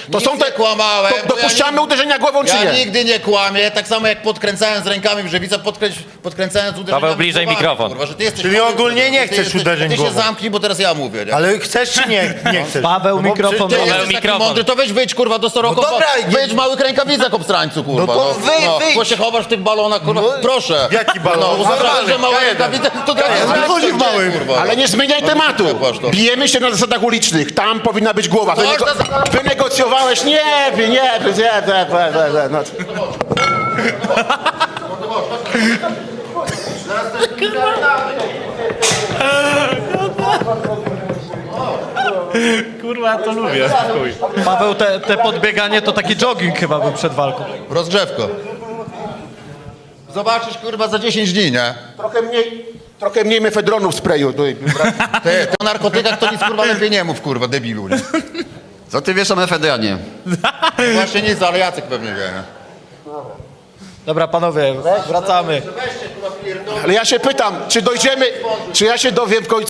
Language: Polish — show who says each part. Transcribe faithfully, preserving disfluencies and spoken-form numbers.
Speaker 1: To
Speaker 2: Nic
Speaker 1: są te...
Speaker 2: nie kłamałem,
Speaker 1: To
Speaker 2: bo ja
Speaker 1: dopuszczamy
Speaker 2: nie-
Speaker 1: uderzenia głową, czy
Speaker 2: Ja
Speaker 1: nie?
Speaker 2: nigdy nie kłamię, tak samo jak podkręcając rękami w żywicę, podkręc podkręcając uderzeniami
Speaker 3: Paweł, bliżej
Speaker 2: głowami,
Speaker 3: mikrofon.
Speaker 2: Kurwa, że ty jesteś
Speaker 4: Czyli
Speaker 2: chory,
Speaker 4: ogólnie
Speaker 2: kurwa,
Speaker 4: nie
Speaker 2: że ty
Speaker 4: chcesz
Speaker 2: jesteś,
Speaker 4: uderzeń
Speaker 2: Ty się
Speaker 4: głową.
Speaker 2: zamknij, bo teraz ja mówię, nie?
Speaker 4: Ale chcesz czy nie, nie chcesz?
Speaker 5: Paweł,
Speaker 4: No bo
Speaker 5: mikrofon
Speaker 2: Ty
Speaker 4: przecież-
Speaker 2: jesteś taki
Speaker 3: mikrofon.
Speaker 2: mądry, to weź wyjdź kurwa do Soroko,
Speaker 4: No dobra, nie-
Speaker 2: wyjdź w małych rękawicach obstrańcu, kurwa.
Speaker 4: No to wy- wyjdź.
Speaker 2: Bo się chowasz w tych balonach, kurwa,
Speaker 4: No,
Speaker 2: proszę.
Speaker 4: jaki balon?
Speaker 2: No,
Speaker 4: No,
Speaker 2: uważasz,
Speaker 4: normalny,
Speaker 2: że małe
Speaker 4: ja jeden.
Speaker 2: rękawice, to teraz
Speaker 4: jeden.
Speaker 2: jest
Speaker 4: Chodzi w małym.
Speaker 2: kurwa.
Speaker 1: Ale nie zmieniaj
Speaker 2: No,
Speaker 1: tematu.
Speaker 2: przekłasz to.
Speaker 1: Bijemy się na zasadach ulicznych. Tam powinna być głowa.
Speaker 2: Coś
Speaker 1: Wynego...
Speaker 2: na zasadach-
Speaker 1: Wynegocjowałeś? Nie, nie, nie, nie, nie, nie, nie, no.
Speaker 5: Kurwa, ja to lubię. Paweł, te, te podbieganie to taki jogging chyba był przed walką.
Speaker 2: Rozgrzewko. Zobaczysz, kurwa, za dziesięć dni, nie?
Speaker 1: Trochę mniej, trochę mniej mefedronu w sprayu. Tutaj.
Speaker 2: Ty, ty o narkotykach to nic, kurwa, lepiej nie mów, kurwa, debilu, nie?
Speaker 6: Co ty wiesz o mefedronie?
Speaker 2: Właśnie nic, ale Jacek pewnie wie, nie?
Speaker 5: Dobra, panowie, wracamy.
Speaker 1: Ale ja się pytam, czy dojdziemy, czy ja się dowiem w końcu,